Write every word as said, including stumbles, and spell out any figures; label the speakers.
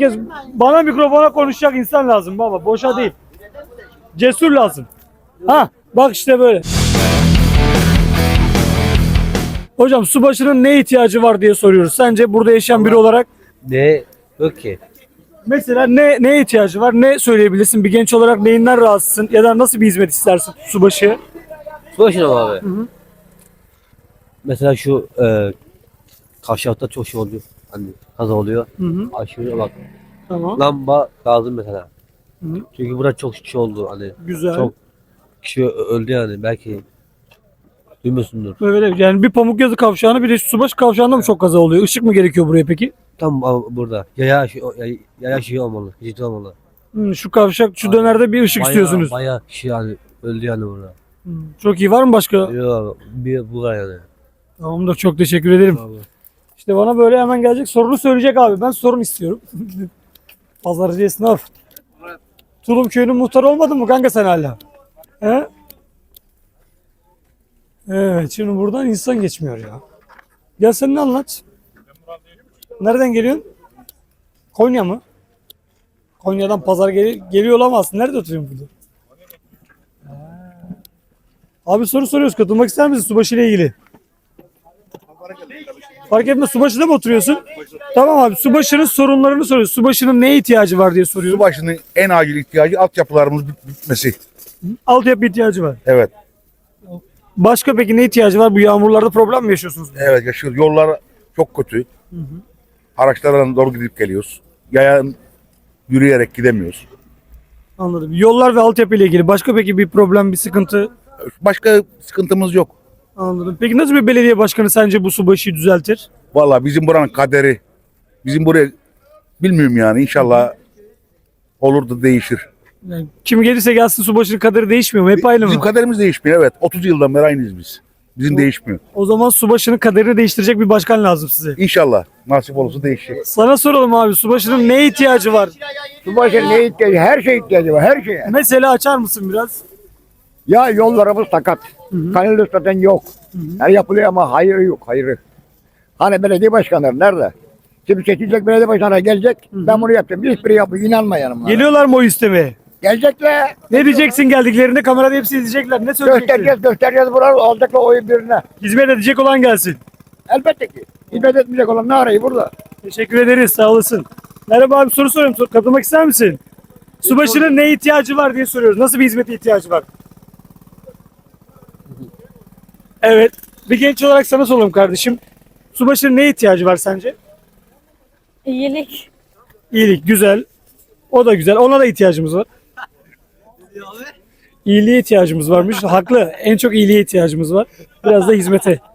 Speaker 1: Herkes bana mikrofona konuşacak insan lazım baba. Boşa değil. Cesur lazım. Ha bak işte böyle. Hocam subaşının ne ihtiyacı var diye soruyoruz. Sence burada yaşayan biri olarak
Speaker 2: Ne? Yok ki.
Speaker 1: mesela ne neye ihtiyacı var? Ne söyleyebilirsin? Bir genç olarak neyinden rahatsızsın? Ya da nasıl bir hizmet istersin subaşı?
Speaker 2: Boşuna mı abi?
Speaker 1: hı.
Speaker 2: Mesela şu e, kavşakta çok şey oluyor. Hani kaza oluyor.
Speaker 1: Hı hı.
Speaker 2: Aşırı bak.
Speaker 1: Tamam.
Speaker 2: Lamba lazım mesela.
Speaker 1: Hı hı.
Speaker 2: Çünkü burada çok kişi oldu. Hani
Speaker 1: Güzel.
Speaker 2: çok kişi ö- öldü yani. Belki duymuyorsundur.
Speaker 1: Böyle yani bir Pamukyazı kavşağını bir de Subaşı kavşağında mı çok kaza oluyor? Işık mı gerekiyor buraya peki?
Speaker 2: Tam a- burada. Yaya şey, yaya, yaya şey olmalı. Geçit olmalı.
Speaker 1: Hı, şu kavşak şu
Speaker 2: Aynen.
Speaker 1: dönerde bir ışık istiyorsunuz.
Speaker 2: Bayağı kişi yani öldü yani burada.
Speaker 1: Hı, çok iyi, var mı başka?
Speaker 2: Yok bir bu var yani.
Speaker 1: Tamamdır, çok teşekkür ederim.
Speaker 2: Abi.
Speaker 1: İşte bana böyle hemen gelecek sorunu söyleyecek abi. Ben sorun istiyorum. Pazarcı esnaf. Tulum köyünün muhtarı olmadın mı kanka sen hala? He? Evet, şimdi buradan insan geçmiyor ya. Gel sen ne anlat? Nereden geliyorsun? Konya mı? Konya'dan pazar gel geliyor olamazsın. Nerede oturuyorsun burada? Ha. Abi soru soruyoruz. Katılmak ister misin Subaşı ile ilgili? Fark etmez. Subaşı'da mı oturuyorsun? Tamam abi. Subaşı'nın sorunlarını soruyoruz. Subaşı'nın neye ihtiyacı var diye soruyoruz.
Speaker 3: Subaşı'nın en acil ihtiyacı altyapılarımız bit- bitmesi.
Speaker 1: Altyapı ihtiyacı var.
Speaker 3: Evet.
Speaker 1: Başka peki ne ihtiyacı var? Bu yağmurlarda problem mi yaşıyorsunuz?
Speaker 3: Evet yaşıyoruz. Yollar çok kötü. Araçlarla doğru gidip geliyoruz. Yayan yürüyerek gidemiyoruz.
Speaker 1: Anladım. Yollar ve altyapı ile ilgili başka peki bir problem, bir sıkıntı?
Speaker 3: Başka sıkıntımız yok.
Speaker 1: Anladım. Peki nasıl bir belediye başkanı sence bu Subaşı'yı düzeltir?
Speaker 3: Vallahi bizim buranın kaderi. Bizim buraya bilmiyorum yani inşallah olur da değişir.
Speaker 1: Yani kim gelirse gelsin Subaşı'nın kaderi değişmiyor mu? Hep aynı
Speaker 3: Bizim
Speaker 1: mı?
Speaker 3: kaderimiz değişmiyor evet. otuz yıldan beri aynıyız biz. Bizim değişmiyor.
Speaker 1: O zaman Subaşı'nın kaderini değiştirecek bir başkan lazım size.
Speaker 3: İnşallah nasip olursa değişecek.
Speaker 1: Sana soralım abi, Subaşı'nın neye ihtiyacı var?
Speaker 4: Subaşı'nın ne ihtiyacı? Her şeye ihtiyacı var, her şeye.
Speaker 1: Mesela açar mısın biraz?
Speaker 4: Ya yollarımız sakat. Kanal zaten yok. Her yapılıyor ama hayırı yok, hayırı. Hani belediye başkanları nerede? Şimdi seçilecek belediye başkanı gelecek. Ben bunu yaptım. Hiçbiri yapıyor. İnanma yanıma.
Speaker 1: Geliyorlar mı o istemeye?
Speaker 4: Gelecekler.
Speaker 1: Ne diyeceksin geldiklerinde, kamerada hepsi izleyecekler. Ne söyleyeceksin?
Speaker 4: Göstereceğiz, göstereceğiz. Buralar alacaklar oyu birine.
Speaker 1: Hizmet edecek olan gelsin.
Speaker 4: Elbette ki. Hizmet etmeyecek olan ne arayı burada?
Speaker 1: Teşekkür ederiz, sağ olasın. Merhaba abi, soru soruyorum. Sor- Katılmak ister misin? Subaşı'nın ne ihtiyacı var diye soruyoruz. Nasıl bir hizmete ihtiyacı var? Evet. Bir genç olarak sana soralım kardeşim. Subaşı'nın ne ihtiyacı var sence?
Speaker 5: İyilik.
Speaker 1: İyilik, güzel. O da güzel. Ona da ihtiyacımız var. İyiliğe ihtiyacımız varmış. Haklı. En çok iyiliğe ihtiyacımız var. Biraz da hizmete.